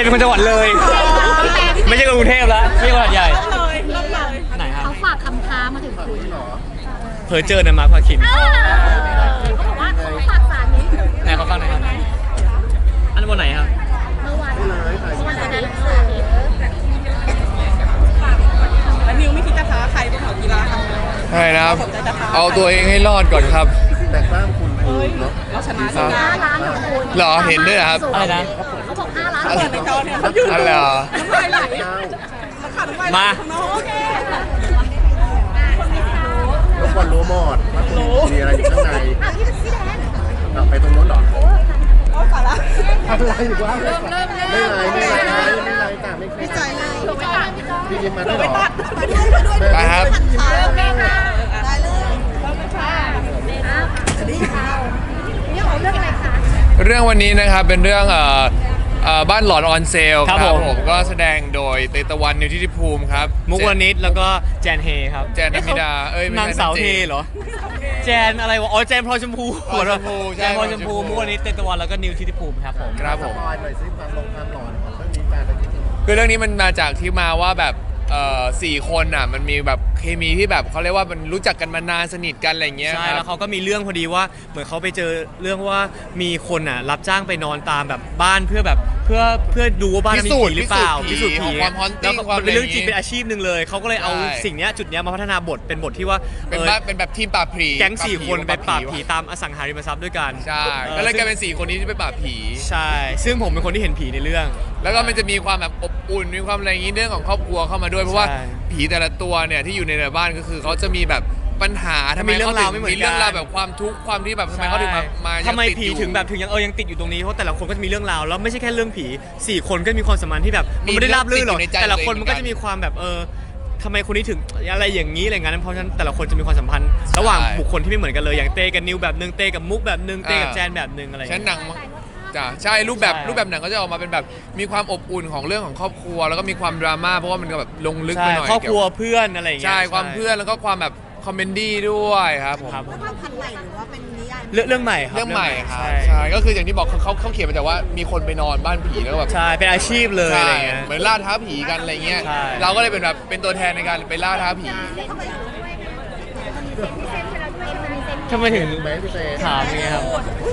เป็นคนจังหวัดเลยไม่ใช่กรุงเทพแล้วไม่ใช่จังหวัดใหญ่เริ่มเลยไหนครับเขาฝากคำท้ามาถึงคุณเพอเจอนะมาร์คพาคินเขาบอกว่าเขาฝากสารนี้ไหนเขาฟังหน่อยครับอันบนไหนครับเมื่อวานจะได้สารแล้วนิวไม่คิดจะท้าใครบนเขากีฬาทำไงใช่นะครับเอาตัวเองให้รอดก่อนครับแต่กล้ามคุณเฮ้ยเราชนะใช่ไหม 5 ล้านของคุณเหรอเห็นด้วยเหรอครับอะไรนะเขาบอก5 ล้านเปิดในจอเนี่ยเขายืนอะไรเหรอน้ำลายไหลเขาขาดน้ำลายไหลมาน้องโอเคทุกคนรู้หมดว่าคุณมีอะไรอยู่ข้างในพี่แดนไปตรงนู้นเหรอเอาสาระอะไรหรือว่าไม่ไรจ้ะไม่เคยใจเลยถูกไหมคะพี่จ้องพี่ยิ้มมาได้หรอไปครับโอเคค่ะได้เลยเราไม่พลาดสวัสดีค่ะนี่เอาเรื่องอะไรคะเรื่องวันนี้นะครับเป็นเรื่องบ้านหลอนออนเซลครับผมก็แสดงโดยเตยตะวันนิวทิติภูมิครับมุกวนิดแล้วก็แจนเฮครับแจนนมิดาเอ้ยไม่ใช่นางสาวเฮนางเจนเหรอแจนอะไรวะอ๋อแจนพลอยชมพูพลอยชมพูแจนพลอยชมพูใช่มุกวนิดเตตะวันแล้วก็นิวทิติภูมิครับผมครับผมสปอยหน่อยซิความหลอนของเรื่องนี้การตะกี้คือเรื่องนี้มันมาจากที่มาว่าแบบสี่คนอ่ะมันมีแบบเคมีที่แบบเขาเรียกว่ามันรู้จักกันมานานสนิทกันอะไรเงี้ยใช่คแล้รับวเขาก็มีเรื่องพอดีว่าเหมือนเขาไปเจอเรื่องว่ามีคนอ่ะรับจ้างไปนอนตามแบบบ้านเพื่อแบบเพื่อดูว่าบ้านนั้นมีผีหรือเปล่าพิสูจน์ผีความฮอนแล้ติ้วงก็ความเป็นเรื่องจริงะไเป็นอาชีพหนึ่งเลยเขาก็เลยเอาใช่สิ่งเนี้ยจุดเนี้ยมาพัฒนาบทเป็นบทที่ว่าเป็นเออบ้านเป็นแบบทีมปราบผีแก๊งสี่คนไปปราบผีวะตามอสังหาริมทรัพย์ด้วยกันใช่ก็เลยกลายเป็นสี่คนนี้ที่ไปปราบผีใช่ ซึ่งผมเป็นคนที่เห็นผีในเรื่องแล้วก็มันจะมีความแบบอบอุ่นมีความอะไรอย่างนี้เรื่องของครอบครัวเข้ามาด้วยเพราะว่าใช่ผีแต่ละตัวเนี่ยที่อยู่ในบ้านก็คือเขาจะมีแบบปัญหาทำไมมีเรื่เขาองถึราวไม่เหมือนกันมีเรื่องราวแบบความทุกข์ความที่แบบทำไมเขาถึงมายังทำไมติดผีอยู่ถึงแบบถึงยังติดอยู่ตรงนี้เพราะแต่ละคนก็จะมีเรื่องราวแล้วไม่ใช่แค่เรื่องผีสี่คนก็มีความสัมพันธ์ที่แบบมันไม่ได้ราบรื่นหรอกมีเรื่องติดอยู่ในใจแต่ละคนตัวเองมันก็จะมีความแบบทำไมคนนี้ถึงอะไรอย่างนี้อะไรเงี้ยเพราะฉะนั้นแต่ละคนจะมีความสัมพันธ์ ระหว่างบุคคลที่ไม่เหมือนกันเลยอย่างเต้กับนิวแบบนึงเต้กับมุกแบบนึงเต้กับแจนแบบนึงอะไรอย่างฉะนันเงี้ยหนังจ้ะใช่รูปแบบใช่รูปแบบหนังก็จะออกมาเป็นแบบมีความอบอุ่นของเรื่องของครอบครัว แล้วก็มีความดราม่าเพราะว่ามันก็แบบลงลึกใช่ไปหน่อยครอบครัวเพื่อนอะไรอย่างเงี้ยใช่ความเพื่อนแล้วก็ความแบบคอมเมดี้ด้วยครับผมครับภาพพันใหม่หรือว่าเป็นนิยายเรื่องใหม่ครับเรื่องใหม่ครับใช่ใช่ก็คืออย่างที่บอกเขาเขียนมาจากว่ามีคนไปนอนบ้านผีแล้วก็แบบใช่เป็นอาชีพเลยใช่อะไรเงี้ยเหมือนล่าท้าผีกันอะไรเงี้ยใช่เราก็เลยเป็นแบบเป็นตัวแทนในการไปล่าท้าผีทำไมถึงไหมพี่เต้ถามอย่างเงี้ยครับ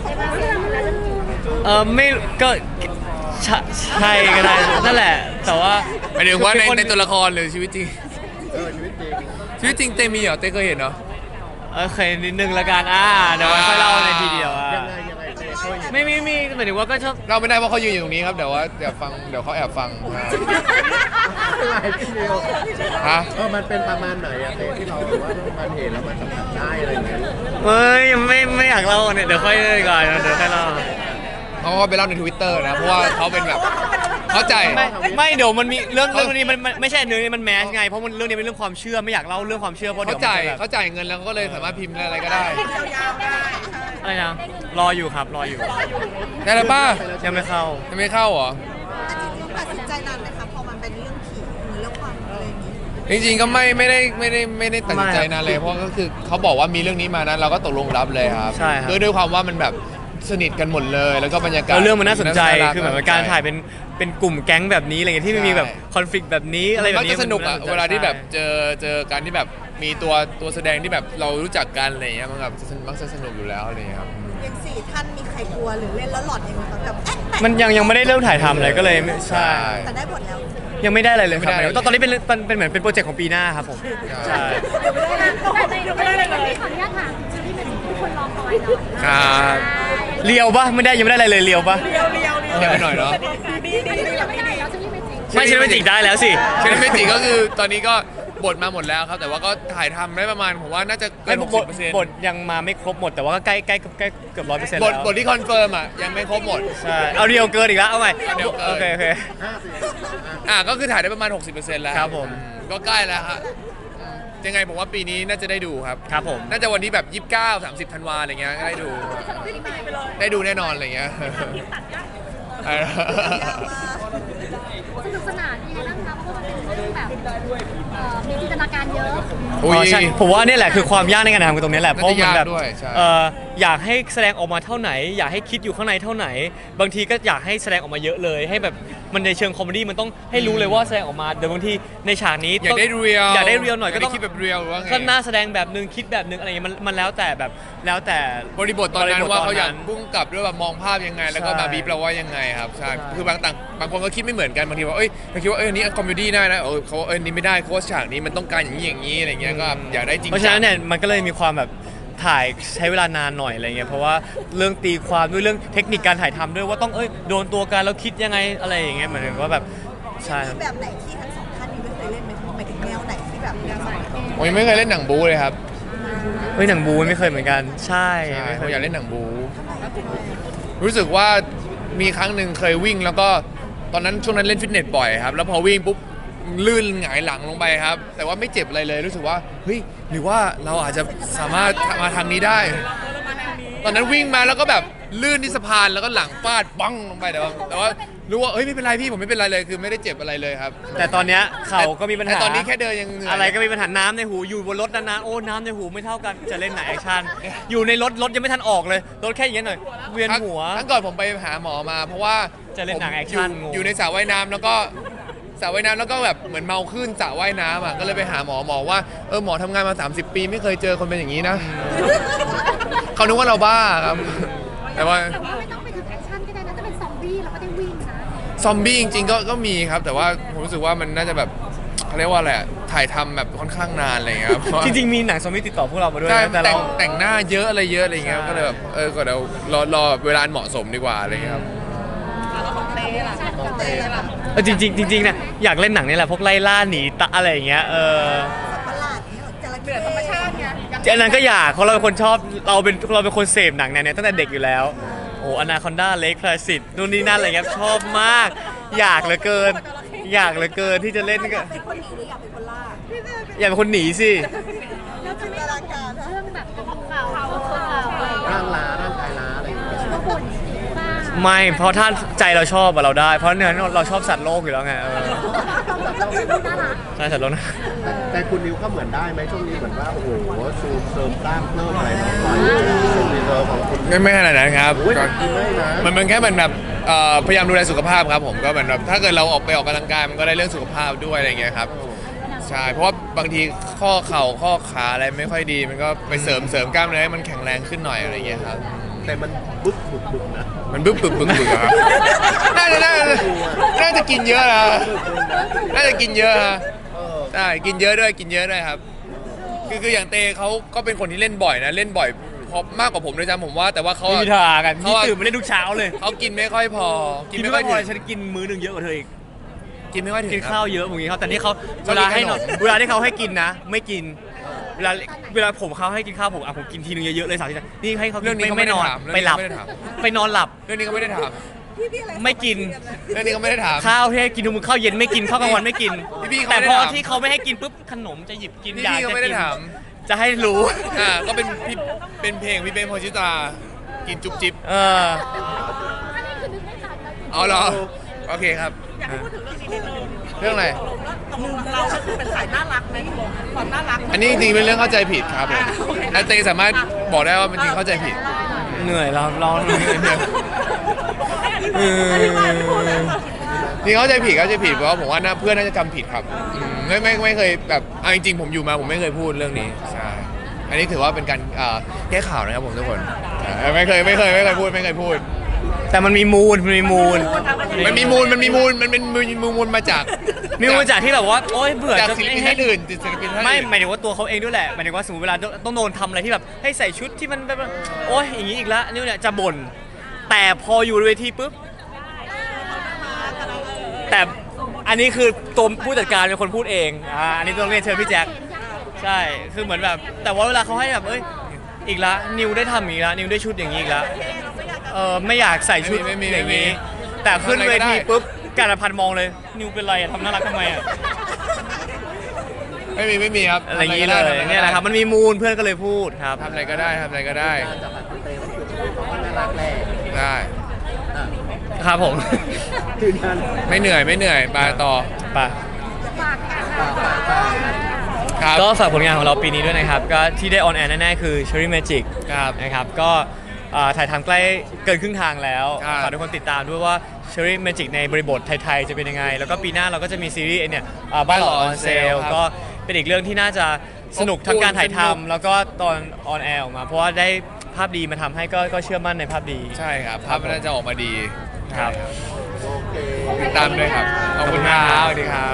ไม่ก็ใช่ก็ได้นั่นแหละ แต่ว่าหมายถึงว่าในคือเป็ในตัวละครหรือชีวิตจริงชีวิตจริงชีวิตจริงเต้มีเหรอเต้เคยเห็นเหรอเคยนิดนึงละกันเดี๋ยวไว้ค่อยเล่าในทีเดียวยังไงเต้ช่วยไม่มีหมายถึงว่าก็ชอบเราไม่ได้เพราะเขายืนอยู่ตรงนี้ครับเดี๋ยวว่าเดี๋ยวฟังเดี๋ยวเขาแอบฟังอะไรพี่เดียวฮะมันเป็นประมาณไหนอะเต้ที่เราแบบว่ามันเห็นแล้วมันสัมผัสได้อะไรเงี้ยเฮ้ยยังไม่อยากเล่าเนี่ยเดี๋ยวค่อยเลยก่อนเดี๋ยวค่อยเล่าเขาก็ไปเล่าใน Twitter นะเพราะว่าเขาเป็นแบบเข้าใจไม่เดี๋ยวมันมีเรื่องนี้มันไม่ใช่เนื้อนี้มันแมสไงเพราะมันเรื่องนี้เป็นเรื่องความเชื่อไม่อยากเล่าเรื่องความเชื่อเพราะเดี๋เขายวจ่ายมันจะแบบเขาจ่ายเงินแล้วเขาก็เลยสามารถพิมพ์อะไรก็ได้อะไรนะรออยู่ครับรออยู่ได้แล้วป้ายังไม่เข้ายังไม่เข้าเหรอตัดสินใจนานไหมคะพอมันเป็นเรื่องผีหรือเรื่องความอะไรอย่างนี้จริงๆก็ไม่ได้ตัดสินใจนานเลยเพราะก็คือเขาบอกว่ามีเรื่องนี้มานะเราก็ตกลงรับเลยครับใช่ครับด้วยความว่ามันแบบสนิทกันหมดเลยแล้วก็บรรยากาศแล้วเรื่องมันน่าสนใจรัคือแบบว่าการถ่ายเป็นกลุ่มแก๊งแบบนี้อะไรเงี้ยที่ไม่มีแบบคอนฟ lict แบบนี้อะไรแบบมันนี้ก็สนุกอะมัาใจเวลาที่แบบใช่เจอการที่แบบมีตัวแสดงที่แบบเรารู้จักกันอะไรอย่างเงี้ยมันแบบมักจะสนุกอยู่แล้วอะไรอย่างเงี้ยครับอย่างสี่ท่านมีใครกลัวหรือเล่นแล้วหลอนยังไงคะแบบแอ๊ะแปะมันยังไม่ได้เริ่มถ่ายทำเลยก็เลยไม่ใช่แต่ได้บทแล้วยังไม่ได้อะไรเลยครับไม่ได้ตอนนี้เป็นเหมือนเป็นโปรเจกต์ของปีหน้าครับผมใช่ไม่ได้เลยขออนุญาตถามถึงที่เป็นทุกคนรอคอยเนาะครับเลียวปะไม่ได้ยังไม่ได้อะไรเลยเลียวปะเรียวเดี๋ยวไปหน่อยเนาะดียังไม่ได้แล้วจะรีบไปจริงไม่ใช่ไม่จริงได้แล้วสิเชนเมจิก็คือตอนนี้ก็บทมาหมดแล้วครับ แต่ว่าก็ถ่ายทำได้ประมาณผมว่าน่าจะเกิน 60% บทยังมาไม่ครบหมดแต่ว่าก็ใกล้เกือบ100%แล้วบทที่คอนเฟิร์มอ่ะยังไม่ครบหมดใช่เอาเรียวเกินอีกแล้วเอาใหม่เรียวเกินโอเคก็คือถ่ายได้ประมาณ 60%แล้วครับผมก็ใกล้แล้วครับยังไงผมว่าปีนี้น่าจะได้ดูครับครับผมน่าจะวันที่แบบ29 30ธันวาอะไรเงี้ยได้ดูแน่นอนอะไรเงี้ยสนุกสนานยังไงบ้างคะเพราะว่ามันเป็นเรื่องแบบมีจินตนาการเยอะอุ้ยใช่ผมว่าเนี่ยแหละคือความยากในการทำกันตรงนี้แหละเพราะมันแบบน่าจะยากด้วยใช่อยากให้แสดงออกมาเท่าไหน อยากให้คิดอยู่ข้างในเท่าไหน บางทีก็อยากให้แสดงออกมาเยอะเลย ให้แบบมันในเชิงคอมเมดี้มันต้องให้รู้เลยว่าแสดงออกมาเดี๋ยวบางทีในฉากนี้อยากได้เรียลอยากได้เรียลหน่อยก็ต้องคิดแบบเรียลหรือว่าไงก็หน้าแสดงแบบนึงคิดแบบนึงอะไรอย่างเงี้ยมันแล้วแต่แบบแล้วแต่บริบทตอนนั้นบริบทว่าเขาอยากตอนนั้นพุ่งกลับด้วยแบบมองภาพยังไง แล้วก็ใช่มาบีบเราว่ายังไงครับใช่ใช่คืบางคนก็คิดไม่เหมือนกันบางทีว่าเอ้ยเราคิดว่าอันนี้คอมเมดี้ได้นะเขาว่าอันนี้ไม่ได้เพราะว่าฉากนี้มันต้องการอย่างนี้อะไรเงี้ยก็อยากได้จริงเพราะฉะนั้นเนี่ยมันก็เลยมีความแบบถ่ายใช้เวลานานหน่อยอะไรเงี้ยเพราะว่าเรื่องตีความด้วยเรื่องเทคนิคการถ่ายทำด้วยว่าต้องโดนตัวกันแล้วคิดยังไงอะไรอย่างเงี้ยเหมือนว่าแบบใช่ครับแบบไหนที่ทั้งสองท่านนี้ไม่เคยเล่นไหมหมายถึงแนวไหนที่แบบแนวไหนผมยังไม่เคยเล่นหนังบู๊เลยครับหนังบูไม่เคยเหมือนกันใช่ใช่ไม่เคผมยอยากเล่นหนังบู๊รู้สึกว่ามีครั้งหนึ่งเคยวิ่งแล้วก็ตอนนั้นช่วงนั้นเล่นฟิตเนสบ่อยครับแล้วพอวิ่งปุ๊บลื่นหงายหลังลงไปครับ แต่ว่าไม่เจ็บอะไรเลยรู้สึกว่าเฮ้ยหรือว่าเราอาจจะสามารถมาทางนี้ได้ ตอนนั้นวิ่งมาแล้วก็แบบลื่นที่สะพานแล้วก็หลังฟาดบั้งลงไปแต่ว่ารู้ว่าเอ้ยไม่เป็นไรพี่ผมไม่เป็นไรเลยคือไม่ได้เจ็บอะไรเลยครับแต่ตอนเนี้ยเข่าก็มีปัญหาแต่ตอนนี้แค่เดินยังเหนื่อยอะไรก็มีปัญหาน้ำในหูอยู่บนรถนานๆโอ้น้ำในหูไม่เท่ากันจะเล่นหนังแอคชั่นอยู่ในรถยังไม่ทันออกเลยรถแค่อย่างเงี้ยหน่อยเวียนหัวครั้งก่อนผมไปหาหมอมา เพราะว่าจะเล่นหนังแอคชั่นผมงงอยู่ในสระว่ายน้ำแล้วก็สระว่ายน้ำแล้วก็แบบเหมือนเมาขึ้นสระว่ายน้ำอ่ะก็เลยไปหาหมอว่าหมอทำงานมา30 ปีไม่เคยเจอคนเป็นอย่างนี้นะ เขานึกว่าเราบ้าครับ แต่ว่าแต่ว่าไม่ต้องไปถึงแอคชั่นก็ได้นะจะเป็นซอมบี้เราก็ได้วิ่งนะซอมบี้จริงๆก็มีครับ แต่ว่าผมรู้สึกว่ามันน่าจะแบบเขาเรียกว่าอะไรอะถ่ายทำแบบค่อนข้างนานอะไรอย่างเงี้ยครับเพาะจริงๆมีหนังซอมบี้ติดต่อพวกเรามาด้วยใช่นะแต่เราแต่งหน้าเยอะอะไรเยอะอะไรอย่างเงี้ยใช่ก็เลยแบบก็เดี๋ยวรอเวลาอันเหมาะสมดีกว่าอะไรอย่างเงี้ยครับจริงๆเนี่ยอยากเล่นหนังนี่แหละพวกไล่ล่าหนีตะอะไรอย่างเงี้ยประหลาดนี้จระเข้ธรรมชาติไงอันนั้นก็อยากเพราะเราเป็นคนชอบเราเป็นคนเสพหนังแนวเนี้ยตั้งแต่เด็กอยู่แล้วโอ้อนาคอนด้าเล็กพลาสิตนู่นนี่นั่นอะไรเงี้ยชอบมาก อยากเหลือเกินที่จะเล่นก็เป็นคนหนีหรืออยากเป็นคนล่าอยากเป็นคนหนีสิแล้วจะไม่จินตต้อนาง การนะเรื่องแบบข่าวร่างล้าร่างกายล้าอะไรอย่างเงี้ยก็บ่นบ้างไม่เพราะถ้าใจเราชอบอะเราได้ เพราะเนื้อเราชอบสัตว์โลกอยู่แล้วไงน่ารักใช่สัตว์โลกนะแต่คุณนิวก็เหมือนได้ไหมช่วงนี้เหมือนว่าโอ้โหซูมเสริมกล้ามเพิ่มอะไรมาหน่อยซูมรีเซอร์ของคุณไม่ขนาดนั้นครับโอ้ยก็จริงไม่นะมันแค่เหมือนแบบพยายามดูแลสุขภาพครับผมก็เหมือนแบบถ้าเกิดเราออกกำลังกายมันก็ได้เรื่องสุขภาพด้วยอะไรอย่างเงี้ยครับใช่เพราะว่าบางทีข้อเข่าข้อขาอะไรไม่ค่อยดีมันก็ไปเสริมกล้ามเนื้อให้มันแข็งแรงขึ้นหน่อยอะไรอย่างเงี้ยครับแต่มันบึ๊กบึกนะมันบึ้บอะครับน่าจะกินเยอะนะน่าจะกินเยอะฮะเออใช่กินเยอะด้วยครับคืออย่างเตเขาก็เป็นคนที่เล่นบ่อยนะเล่นบ่อยพอมากกว่าผมด้วยซ้ำผมว่าแต่ว่าเขาไม่อะมีทางกันเขาพี่อะตื่นมาเล่นทุกเช้าเลยเขากินไม่ค่อยพอกินไม่ค่อยพถึอง ฉันกินมื้อหนึงเยอะกว่าเธออีกกินไม่ค่อยถึงกินครับข้าวเยอะอย่างงี้เขาแต่นี่เขาชอบเวลาให้กินขนมเวลาที่เขาให้กินนะ ไม่กินเวลาผมเขาให้กินข้าวผมกินทีนึงเยอะๆเลย3 ทีนี่ให้เขากิเรื่องนี้เขาไม่นอนไม่ได้ถามไปหลับเรื่องนี้เขาไม่ได้ถามไปนอนหลับเรื่องนี้ก็ไม่ได้ถามพี่อะไรไม่กินเรื่องนี้ก็ไม่ได้ถามข้าวที่ให้กินทุกมื้อข้าวเย็นไม่กินข้าวกลางวันไม่กินพี่ๆเขาแต่ไม่พได้อถามที่เขาไม่ให้กินปุ๊บขนมจะหยิบกินพี่อยากๆก็จะไม่ได้กินถามจะให้รู้ก็เป็นเพลงพี่เป้พรชิตากินจุ๊บจิ๊บเอออันนี้คือนึกไม่ทันแล้วจริงเอาเหรอโอเคครับเรื่องอะไรเราคือเป็นสายน่ารักไหมความน่ารักอันนี้จริงๆเป็นเรื่องเข้าใจผิดครับผมแต่เตสามารถบอกได้ว่ามันจริงเข้าใจผิดเหนื่อยแล้วร้อนเหนื่อยอธิบายไม่พูดเลยจริงเข้าใจผิดเพราะว่าผมว่าเพื่อนน่าจะจำผิดครับไม่เคยแบบเอาจริงๆผมอยู่มาผมไม่เคยพูดเรื่องนี้ใช่อันนี้ถือว่าเป็นการแก้ข่าวนะครับผมทุกคนไม่เคยพูดแต่มันมีมูลมันมีมูลมันมีมูลมาจากมีมูลจากที่แบบว่าโอ๊ยเบื่อจากจะศิลปินให้ท่านอื่นศิลปินท่านไม่อื่นหมายถึงว่าตัวเขาเองด้วยแหละหมายถึงว่าสมมติเวลาต้องโดนทำอะไรที่แบบให้ใส่ชุดที่มันแบบโอ๊ยอย่างนี้อีกแล้วนี่เนี่ยจะบ่นแต่พออยู่บนเวทีปุ๊บแต่อันนี้คือตัวผู้จัดการเป็นคนพูดเองอันนี้ต้องเรียนเชิญพี่แจ็คใช่คือเหมือนแบบแต่ว่าเวลาเขาให้แบบอีกละนิวได้ทำอย่างนี้ละนิวได้ชุดอย่างนี้อีกละไม่อยากใส่ชุดอย่างนี้ แต่ขึ้นเวทีปุ๊บการพันมองเลยนิวเป็นไรทำน่ารักทำไมไม่มีครับอะไรอย่างนี้เลยเนี่ยแหละครับมันมีมูลเพื่อนก็เลยพูดครับทำอะไรก็ได้การจะผัดคุณเตก็คือพูดว่าน่ารักแหละได้ครับผมยืนยันไม่เหนื่อยไปต่อไปฝากกันปากนะครับก็ฝากผลงานของเราปีนี้ด้วยนะครับ ก็ที่ได้ออนแอร์แน่ๆคือ Cherry Magic ครับนะครับก็ถ่ายทำใกล้เกินครึ่งทางแล้วครับฝากทุกคนติดตามด้วยว่า Cherry Magic ในบริบทไทยๆจะเป็นยังไง แล้วก็ปีหน้าเราก็จะมีซีรีส์เนี่ยบ้านหลอออนเซลก็เป็นอีกเรื่องที่น่าจะสนุกทั้งการถ่ายทำแล้วก็ตอนออนแอร์ออกมา เพราะว่าได้ภาพดีมาทำให้ก็เชื่อมั่นในภาพดีใช่ครับภาพมันน่าจะออกมาดีครับโอเคติดตามด้วยครับ ขอบคุณครับสวัสดีครับ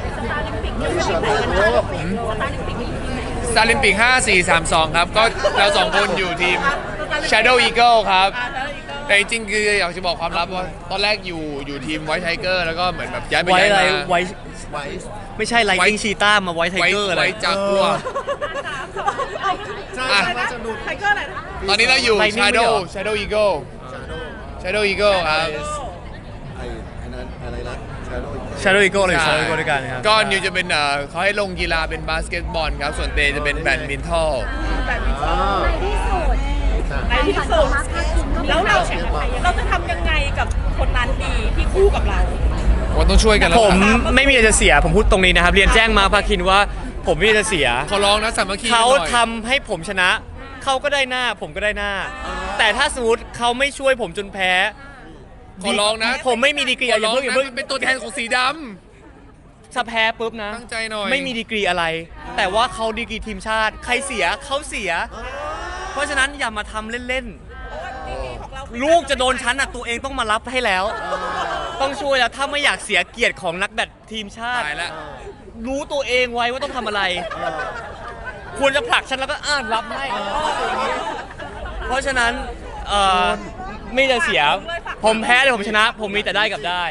Starlympic 5432 ครับ ก็เราสองคนอยู่ทีม Shadow Eagle ครับ แต่จริงๆคืออยากจะบอกความลับว่า ตอนแรกอยู่ทีม White Tiger แล้วก็เหมือนแบบย้ายไปไว้ย้ายอะไรมาไว้ไว้ไม่ใช่ไลติ้งชีต้ามาไว้ไทเกอร์อะไรไว้จากกัวใช่อ่ะว่าจะดูไทเกอร์อะไรนะตอนนี้เราอยู่ Lightning ไม่เหรอ Shadow Eagle Shadow Eagle ครับไอ้นั้นอะไรนะ Shadow Eagle เลยใช่ Shadow Eagle ด้วยกันครับก็นิวจะเป็นเขาให้ลงกีฬาเป็นบาสเกตบอลครับ ส่วนเตจะเป็นแบดมินทัลอ๋อในที่สุดมาร์คคิงก็แล้วเราจะทำยังไงกับคนนั้นดีที่คู่กับเราวันต้องช่วยกันแล้วผมล่ะไม่มีอะไรจะเสีย ผมพูดตรงนี้นะครับ เรียนแจ้งมาภาคินว่าผมไม่มีอะไรจะเสียขอร้องนะสามัคคีเขาหน่อยทำให้ผมชนะ เขาก็ได้หน้า ผมก็ได้หน้า แต่ถ้าสมมติเขาไม่ช่วยผมจนแพ้ขอร้องนะผมไม่มีดีกรีขอะออย่าร้องเพิ่งอย่านะเพิ่งเป็นตัวแทนของสีดถ้าแพ้ปุ๊บนะตั้งใจหน่อยไม่มีดีกรีอะไร แต่ว่าเขาดีกรีทีมชาติ ใครเสียเขาเสีย เพราะฉะนั้นอย่ามาทำเล่นๆ ลูกจะโดนชั้นอ่ะตัวเองต้องมารับให้แล้ว ต้องช่วยแล้ว ถ้าไม่อยากเสียเกียรติของนักแบดทีมชาำติตายแล้วรู้ตัวเองไว้ว่าต้องทำอะไร ควรจะผลักฉันแล้วก็รับให้ เพราะฉะนั้นไม่จะเสีย ผมแพ้หรือผมชนะ ผมมีแต่ได้กับได้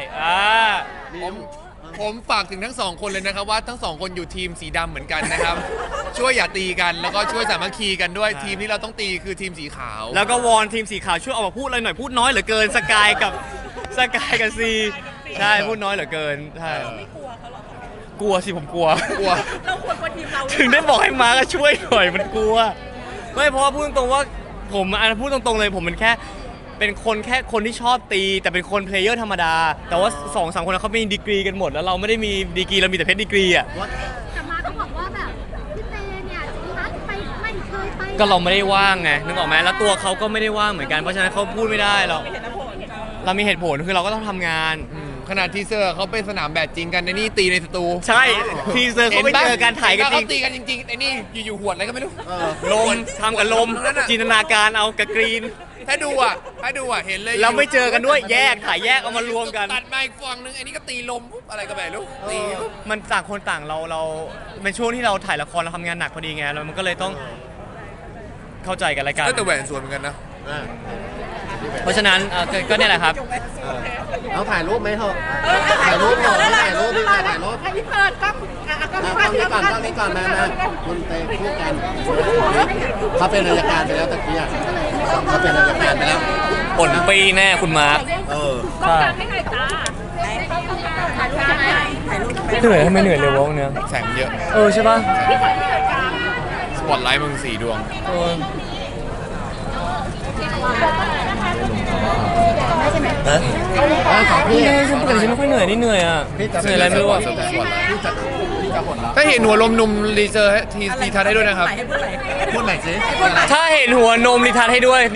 ผมฝากถึงทั้งสองคนเลยนะครับว่าทั้งสองคนอยู่ทีมสีดำเหมือนกันนะครับ ช่วยอย่าตีกันแล้วก็ช่วยสามัคคีกันด้วยทีมที่เราต้องตีคือทีมสีขาวแล้วก็วอนทีมสีขาวช่วยออกมาพูดอะไรหน่อยพูดน้อยเหลือเกินสกายกับซีใช่พูดน้อยเหลือเกินใช่กลัวสิผมกลัวกลัวเราควรเป็นทีมเราถึงได้บอกให้มาก็ช่วยหน่อยมันกลัวไม่เพราะว่าพูดตรงๆว่าผมพูดตรงๆเลยผมเป็นแค่คนที่ชอบตี แต่เป็นคนเพลเยอร์ธรรมดา แต่ว่า2-3 คนเขามีดีกรีกันหมดแล้วเราไม่ได้มีดีกรีเรามีแต่เพชรดีกรีอ่ะแต่มาร์คก็บอกว่าแบบพี่เตเนี่ยนัดไปไม่เคยไปก็เราไม่ได้ว่างไงนึกออกไหมแล้วตัวเขาก็ไม่ได้ว่างเหมือนกันเพราะฉะนั้นเขาพูดไม่ได้เรามีเหตุผลคือเราก็ต้องทำงานขนาดทีเซอร์เขาเป็นสนามแบดจริงกันในนี่ตีในสตูใช่ทีเซอร์เขาไปเจอการถ่ายกันจริเขางตีกันจริงๆไอ้นี่อยู่ๆหวดอะไรก็ไม่รู้ลมทำกับลมนั่นน่ะจินตนาการเอากับกรีนถ้าดูอ่ะเห็นเลยแล้วไม่เจอกันด้วยแยกถ่ายแยกเอามารวมกันตัดมาอีกฝั่งนึงไอ้นี่ก็ตีลมปุ๊บอะไรก็ไม่รู้ตีปุ๊บมันต่างคนต่างเราเป็นช่วงที่เราถ่ายละครเราทำงานหนักพอดีไงแล้วมันก็เลยต้องเข้าใจกันรายการแต่แหวนสวยเหมือนกันนะเพราะฉะนั้นก็เนี่ยแหละครับเอาถ่ายรูปไหมเถอะถ่ายรูปเถอะถ่ายรูปถ่ายรูปให้พี่เพิร์ดก็ก็กล้องนี้ก่อนมาคุณเตะคู่กันเขาเป็นอายการไปแล้วตะกี้เขาเป็นอายการไปแล้วผลปีแน่คุณมาร์คต้องการให้ใครจ้าเหนื่อยทำไมเหนื่อยเร็ววะวันเนี้ยแสงมันเยอะใช่ป่ะสปอตไลท์มึง4 ดวงของพี่ฉันปกติฉันไม่ค่อยเหนื่อยนี่เหนื่อยอ่ะเหนื่อยอะไรไม่รู้อ่ะถ้าเห็นหัวลมนุ่มรีเซอร์ทีทัศน์ให้ด้วยนะครับพูดใหม่สิถ้าเห็นหัวนมรีทัศน์ให้ด้วย